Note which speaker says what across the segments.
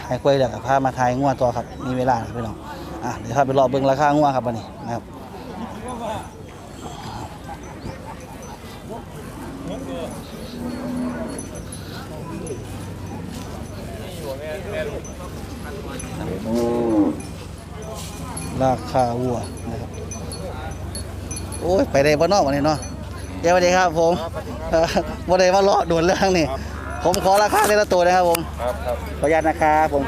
Speaker 1: ให้กล้วยเดี๋ยวพามาทายงัวตัวครับมีเวลาพี่น้องเดี๋ยวพาไปรอเบิ่งราคางัวครับวันนี้นะครับราคาวัวนะครับโอ้ยไปได้บ้านนอกวันนี้เนาะเดี๋ยวสวัสดีครับผมวันนี้มาเลาะด่วนเรื่องนี่ผมขอราคาในละตัวนะครับผมขออนุญาตนะครับผม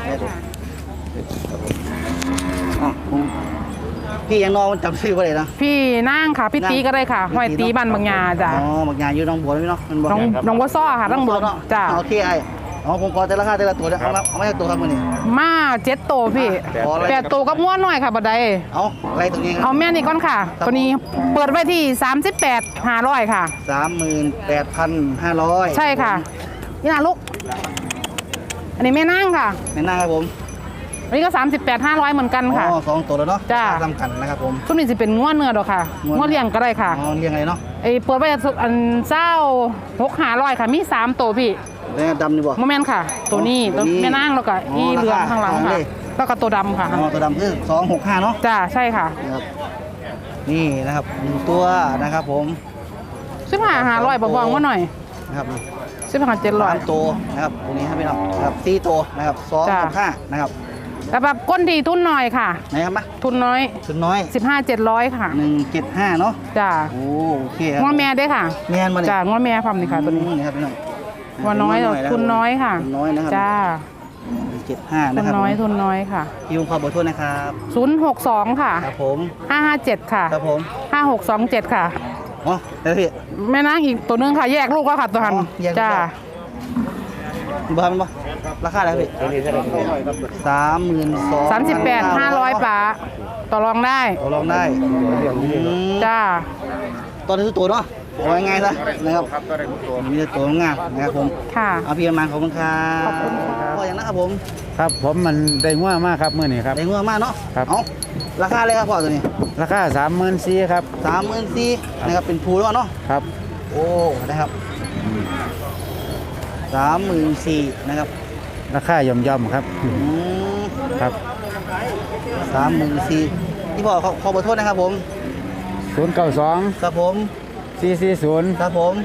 Speaker 1: พี่ยังน้องมันจำชื่อว่าอะไรนะ
Speaker 2: พี่นั่งค่ะพี่ตีก็ได้ค่ะห้อยตีบ้านบางยาจ้ะ
Speaker 1: บางยาอยู่น้องบัวไหมเนาะ
Speaker 2: น้องบัวซ้อค่ะน้องบัวจ้ะ
Speaker 1: โอเคไอ้ผมขอแต่ราคาแต่ละตัวเอาไม่ใช่ตัวครับมือนี่
Speaker 2: มา7 โตพี่8 โตกับง้วน้อยค่ะบัดใด
Speaker 1: เอาอะไรตัวนี้
Speaker 2: เอาแม่นี่ก่อนค่ะตัวนี้เปิดไว้ที่38,500ค่ะ
Speaker 1: 38,500
Speaker 2: ใช่ค่ะนี่นะลูกอันนี้แม่นั่งค่ะ
Speaker 1: แม่นั่งครับผม
Speaker 2: อันนี้ก็38,500เหมือนกันค่ะ
Speaker 1: 2 ตัวแล้วเนาะ
Speaker 2: จ้า
Speaker 1: ทำกันนะครับผม
Speaker 2: ชุดนี้จะเป็นง้วเนื้อดอกค่ะง้วเลี้ยงก็ได้ค่ะ
Speaker 1: เลี้ยงอะไรเนาะ
Speaker 2: เปิดไว้อัน26,500ค่ะมี3 โตพี่
Speaker 1: แล้วดำนี่บ่
Speaker 2: โมเมนต์ค่ะตัวนี้ตัวแม่นั่งแล้วก็อีเรือข้างหลังค่ะแล้วก็ตัวดำค่ะ
Speaker 1: ตัวดำคือ265เนาะ
Speaker 2: จ้าใช่ค่ะ
Speaker 1: นี่นะครับ1ตัวนะครับผม
Speaker 2: 15,500บอกว่าหน่อย
Speaker 1: นะครับ
Speaker 2: 15,700
Speaker 1: ตัวนะครับตรงนี้ให้พี่น้องนะครับ4ตัวนะครับ265นะครับ
Speaker 2: แต่แบบก้นดีทุนน้อยค่ะ
Speaker 1: ไหนครับมา
Speaker 2: ทุนน้อย15,700ค่ะ
Speaker 1: 175เนาะ
Speaker 2: จ้า
Speaker 1: โอเค
Speaker 2: ง้อแม่ได้ค่ะ
Speaker 1: แม่มาเนี่ย
Speaker 2: จ้าง้อแม่พร้อมนี่ค่ะตัวนี้
Speaker 1: นี่ครับพี่น้อง
Speaker 2: ว่าน้อยทุนน้อยค่ะ
Speaker 1: น้อยนะครับ
Speaker 2: จ้า
Speaker 1: 75นะครับ
Speaker 2: ทุนน้อยค่ะ
Speaker 1: พี่ขอเบอร์โทรนะครับ
Speaker 2: 062ค่ะ
Speaker 1: ครับผม
Speaker 2: 557ค่ะ
Speaker 1: ครับผม
Speaker 2: 5627ค่ะ
Speaker 1: แล้วพี่
Speaker 2: แม่นางอีกตัวนึงค่ะแยกลูกแล้วค่ะตัวหันจ้า
Speaker 1: บ้านมั้ยราคาอะไรพี่
Speaker 2: 38,500ป๋าต่อรองได้จ้า
Speaker 1: ตอนนี้ตัวเนาะโอ้ยง่ายซะนะครับมีแต่ตัวงามนะครับผม
Speaker 2: ค่ะ
Speaker 1: เอาพี่มาขอบคุณครับ
Speaker 2: ขอบคุณครับ
Speaker 1: พ่ออย่างนั้นครับผม
Speaker 3: ครับผมมันได้ง่วมากครับเมื่อนี้ครับ
Speaker 1: ได้ง่วมากเนาะ
Speaker 3: ครับ
Speaker 1: เอาราคาเลยครับพ่อตัวนี้
Speaker 3: ราคา34,000ครับ
Speaker 1: 34,000นะครับเป็นภูแล้วเนาะ
Speaker 3: ครับ
Speaker 1: โอ้นะครับ34,000นะครับ
Speaker 3: ราคาย่อมๆครับครับ
Speaker 1: 34,000ที่พ่อขอเบอร์โทรนะครับผม
Speaker 3: 092
Speaker 1: ครับผม
Speaker 3: 440
Speaker 1: ครับผม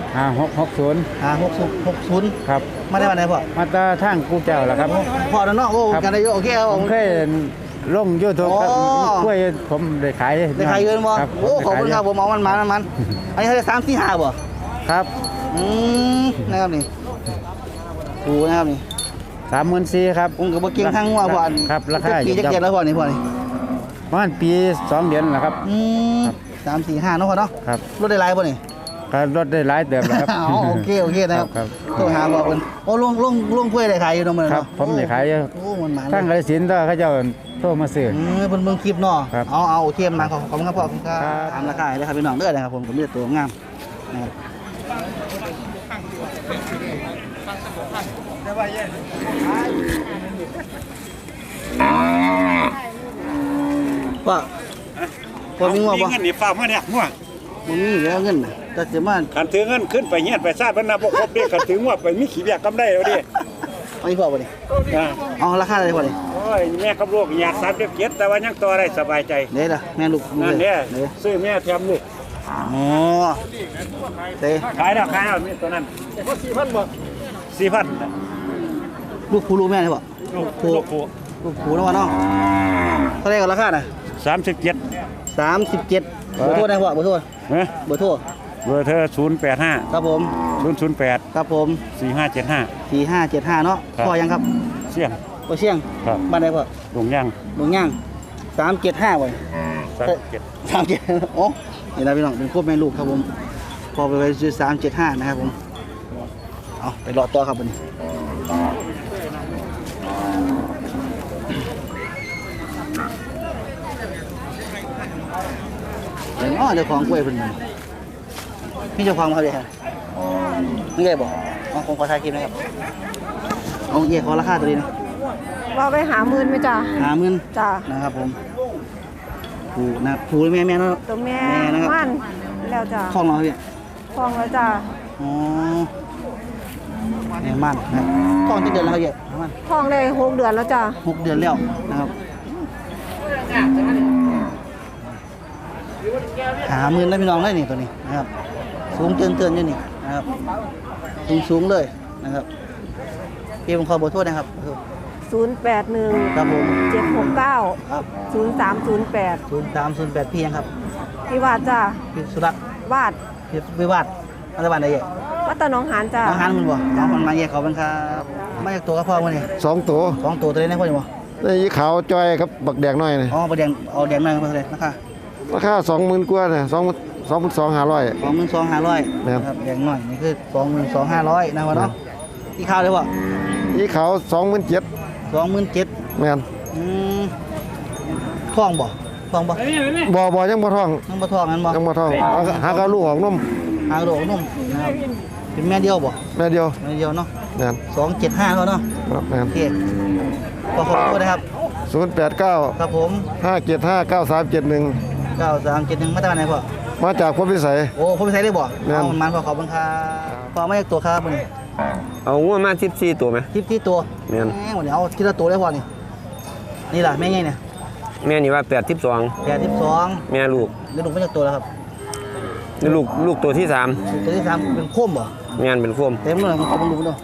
Speaker 3: 5660ครับ
Speaker 1: มาได้วันไหนพ่อ
Speaker 3: มาตาทางกูเจ้าแล้วครับ
Speaker 1: พ่อแล้วเนาะโอ้กันได้โอเคครับ
Speaker 3: ผมเคยลง YouTube ครับกล้วยผมได้ขาย
Speaker 1: เงินบ่โอ้ขอบคุณครับผมเอามันอันนี้เขาได้3-4-5บ่
Speaker 3: ครับ
Speaker 1: นะครับนี่ถูกนะครับนี่
Speaker 3: 34,000ครับ
Speaker 1: ผมก็บ่เก่งทางหัวพ่อ
Speaker 3: ครับราคา
Speaker 1: ปีจะเก็บแล้วพ่อนี่
Speaker 3: ประมาณปี2 เดือนแล้วครับ
Speaker 1: 3-4-5เนาะพ่อเนาะ
Speaker 3: ครับ
Speaker 1: รถได้หลายบ่นี่
Speaker 3: ก็รถได้หลายเติบแล้วครับ
Speaker 1: โอเคนะครับโทรหาบอกเพิ่นโอ้ลุงกล้วยได้ขายอยู่เนาะมื้อเนาะ
Speaker 3: ครับผมได้ขายโอ้มันทางกาฬสินธุ์เขาเจ้าโทรมาซื้อ
Speaker 1: เพิ่นเบิ่งคลิปเนาะเอาโอเคมาขอบคุณครับพ่อครับตามราคาเลยครับพี่น้องเด้อนะครับผมก็มีแต่ตัวงามนะครับว่าพอมีงัวบ่
Speaker 4: เงินนี่ฟ้ามาเนี่ยงัว
Speaker 1: บ่มีแล้วเงินแต่สิมา
Speaker 4: คันถือเงินขึ้นไปเฮียนไปซาดบรรณาบ่ครบเด้คันถืองัวไปมีขี้เบียกกำได้แล้วดิ
Speaker 1: เอาอีกพอบ่ดิเอาราคาอะไรพอดิ
Speaker 4: โอ้ยแม่กับลูกอยาก37แต่ว่ายังต่อได้สบายใจ
Speaker 1: เด้อแม่ลูก
Speaker 4: นั่นเด้ซื้อแม่แถมลูก
Speaker 1: เต้
Speaker 4: ขายแล้วนี่ตัวนั้น4,000บ่4,000
Speaker 1: ลูกผู้ลูกแม่นี่บ่
Speaker 4: ลูก
Speaker 1: ผู้แล้วเนาะเท่าไหร่กันราคาน่ะ
Speaker 4: 37
Speaker 1: เบอร์โทรได้บ่เบอร์โทรเบอร์โทร
Speaker 4: เบอร์เธอ085
Speaker 1: ครับผม
Speaker 4: 008
Speaker 1: ครับผม4575เนาะพ่อยังครับ
Speaker 4: เสี่ยง
Speaker 1: พ่อเสี่ยงบ้านใดพ่อ
Speaker 4: ดงย่าง
Speaker 1: 375บ่37โอ้นี่นะพี่น้องเป็นครบแม่ลูกครับผมพอไปซื้อ375นะครับผมเอาไปรอต่อครับบัดนี้เจ้าของกล้วยเพิ่นพี่เจ้าของมาเลยฮะไม่ได้บอกผมขอถ่ายคลิปนะครับเอาเย่ขอราคาตัวนี้นะ
Speaker 5: เราไป50,000ไหมจ้ะ
Speaker 1: 50,000
Speaker 5: จ้ะ
Speaker 1: นะครับผมผูนะผูแม่เนาะ
Speaker 5: ตัวแม่มันแล้วจ้ะ
Speaker 1: คล้องเราพี่
Speaker 5: คล้องแล้วจ้ะ
Speaker 1: อ๋อแม่มันนะครับท้องจะเดือนแล้วเขาเยอะมัน
Speaker 5: ท้องได้6 เดือนแล้วจ้ะ
Speaker 1: 6 เดือนแล้วนะครับ50,000นะพี่น้องได้นี่ตัวนี้นะครับสูงเตือนอยู่นี่นะครับสูงเลยนะครับพี่ผมขอเบอร์โทรนะครับ
Speaker 5: 081
Speaker 1: ครับผม
Speaker 5: 769
Speaker 1: ครับ
Speaker 5: 0308
Speaker 1: 0308พี่ยังครับ
Speaker 5: พี่วาดจ้ะ
Speaker 1: พี่สุรัตน์
Speaker 5: วาด
Speaker 1: พี่วิวาทรัฐบาลใดเยอะ
Speaker 5: วัดตะหนองหานจ้ะ
Speaker 1: น้องฮันมันบ่น้องมันมาแยกเขาเป็นครับมาจากตัวกระเพาะมันนี่
Speaker 3: 2 ตัว
Speaker 1: 2 ตัวได้พ่ออยู่บ่
Speaker 3: นี่ขาวจ้อยครับบักแดงน้อยนี่
Speaker 1: อ๋อประแดงเอาแดงหน่อยมาเลยนะคะ
Speaker 3: ราคา 20,000 กว่าน่ะ22,500
Speaker 1: 22,500
Speaker 3: ครับ
Speaker 1: ครับแดงหน่อยนี่คือ22,500นะวะเนาะที่ข้าวเลยบ่
Speaker 3: อีขาว 27,000
Speaker 1: 27,000
Speaker 3: แม่น
Speaker 1: ท้องบ่
Speaker 3: บ่ยังบ่ท้อง
Speaker 1: ยังบ่ท้องงั้นบ่
Speaker 3: ยังบ่ท้องหากเอาลูกออกนม
Speaker 1: หางโดกนุ่มนะครับเป็นแม่เดียวบ่
Speaker 3: แม่เดียว
Speaker 1: แม่เดียวเนาะ
Speaker 3: แม่น
Speaker 1: 275เนาะ
Speaker 3: ครับแม่
Speaker 1: โอน เคขอขอบคุณนะครับ
Speaker 3: 089
Speaker 1: ครับผม
Speaker 3: 575 9371
Speaker 1: 9371มาจากไหนพ่อ
Speaker 3: มาจากพลพิสัย
Speaker 1: โอ้ผมไปใช้ได้บ่
Speaker 3: แม่น
Speaker 1: เอามันพอขอบคุณครับพอไม่จากตัวครับมื้อนี้
Speaker 6: เอางัวมา14ตัวไหม
Speaker 1: ที่ตัว
Speaker 6: แม่น
Speaker 1: วันนี้เอาทีละตัวได้พอนี่นี่ล่ะแม่ไงเนี่ย
Speaker 6: แม่นี่ว่า82
Speaker 1: 82
Speaker 6: แม่ลูก
Speaker 1: แล้วลูกมาจากตัวแล้วครับ
Speaker 6: นี่ลูกตัวที่
Speaker 1: ตัวที่3เป็นโคมบ่
Speaker 6: 3แม่นเป็นโคม
Speaker 1: เต็มเลยมันขอบคุณดูด้วย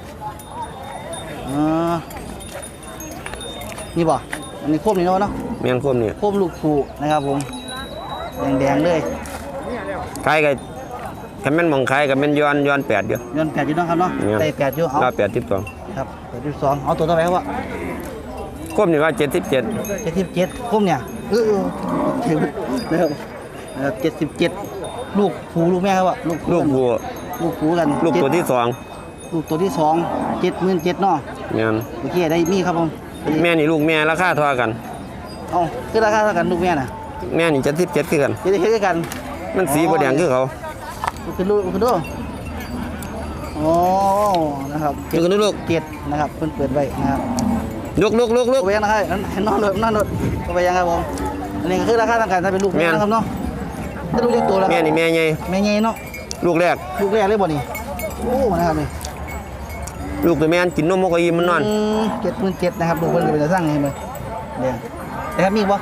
Speaker 1: นี่บ่อันนี้โคมนี่เนาะ
Speaker 6: แม่นโคมนี่
Speaker 1: โคมลูกผูนะครับผมแดงๆเลย
Speaker 6: ขายก็คันแม่นหมองขายก็แม่นย้อน8อยู่
Speaker 1: ย้อน8อยู่เนาะครับเนาะ
Speaker 6: เนี่ย
Speaker 1: ใส่8อยู่เอา
Speaker 6: ว่า82
Speaker 1: ครับ82เอาตัวเท่าไหร่ครับว่า
Speaker 6: โคมนี่ว่า77
Speaker 1: 77โคมเนี่ยถึงนะครับ77ลูกผูลูกแม่ครับว่าลูก
Speaker 6: ลูกบัว
Speaker 1: ลูกผูกัน
Speaker 6: ลูกตัวที่
Speaker 1: ลูกตัวที่2 77,000เนาะ
Speaker 6: 2แม่น
Speaker 1: โอเคได้มีครับผม
Speaker 6: แม่นี่ลูกแม่ราคาเท่ากัน
Speaker 1: เอาคือราคาเท่ากันลูกแม่น่ะ
Speaker 6: แม่นี่77คือกัน
Speaker 1: จะได้เฮ็ดด้วยกัน
Speaker 6: มันสีบ่แดงคือเขา
Speaker 1: คือลูกคือดูโอ้นะครับ
Speaker 6: ลูก
Speaker 1: เจ็ดนะครับเพิ่นเปิดไว้นะครับ
Speaker 6: ลูก
Speaker 1: เอาไปยังนะครับนอนเลยเอาไปยังครับผมอันนี้ก็คือราคาต่างกันถ้าเป็นลูกแม่นะครับเนาะถ้าลูกเลี้ยงตัวแล้ว
Speaker 6: แม่นี่แม่ใหญ่
Speaker 1: แม่ใหญ่เนาะ
Speaker 6: ลูกแรก
Speaker 1: ลูกแรกเลยบ่นี่โอ้นะครับนี่
Speaker 6: ลูกตัวแม่นกินนมบ่ก็อิ่มมันนอน
Speaker 1: 77,000นะครับลูกเพิ่นก็เป็นตาสร้างให้มันเด้อนะครับมีบ่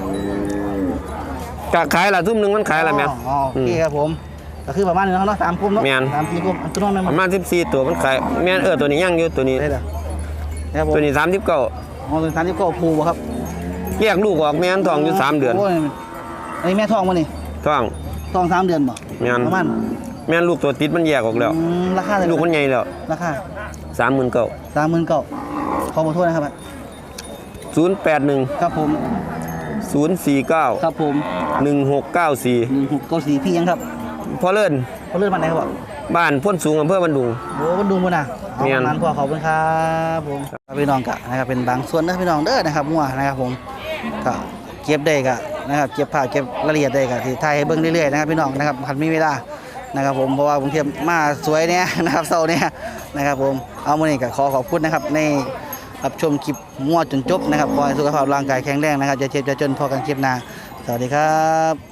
Speaker 6: ก็ขายละทุ่มหนึงมันขายละแม่น
Speaker 1: อ๋อโอเคครับผมก็คือประมาณนี้เนาะ3กลุ่มเนาะ
Speaker 6: แม่น
Speaker 1: 3 4กลุ่มอันตัวน้องแม่น
Speaker 6: ประมาณ14ตัวมันขายแม่นตัวนี้ยังอยู่ตัวนี้
Speaker 1: ได้เด้อนะครับผม
Speaker 6: ตัวนี้39
Speaker 1: อ๋อตัว39ภูบ่ครับ
Speaker 6: แยกลูกออกแม่นท้องอยู่3เดือน
Speaker 1: โยอันนี้แม่ท้องบ่นี่
Speaker 6: ท้อง
Speaker 1: ท้อง3 เดือนบ่
Speaker 6: แม่น
Speaker 1: ประมาณ
Speaker 6: แม่นลูกตัวติดมันแยกออกแล้ว
Speaker 1: ราคาเท่าไหร่
Speaker 6: ลูกมันใหญ่แล้ว
Speaker 1: ราคา
Speaker 6: 39,000
Speaker 1: 39,000ขอขอโทษนะครับ
Speaker 6: 081
Speaker 1: ครับผม
Speaker 6: 049
Speaker 1: ครับผม
Speaker 6: 1694
Speaker 1: 1694พี่ยังครับ
Speaker 6: พอเลิ่น
Speaker 1: เขาเลื่อนมาไหนครับบ่
Speaker 6: บ้านพ้นสูงอำเภอบันดุง
Speaker 1: โอ้มันดูมื้อน่ะเอา
Speaker 6: เมียน
Speaker 1: ประมาณพอขอบคุณครับผมพี่น้องกะนะครับเป็นบางส่วนนะพี่น้องเด้อนะครับงัวนะครับผมก็เก็บได้กะนะครับเก็บภาพเก็บรายละเอียดได้กะที่ถ่ายให้เบิ่งเรื่อยๆนะครับพี่น้องนะครับคันมีเวลานะครับผมเพราะว่าผมเทียบมาสวยเนี่ยนะครับเซาเนี่ยนะครับผมเอามื้อนี้ก็ขอขอบคุณนะครับในรับชมคลิปงัวจนจบนะครับขอให้สุขภาพร่างกายแข็งแรงนะครับอย่าเจ็บอย่าจนพอกันคลิปหน้าสวัสดีครับ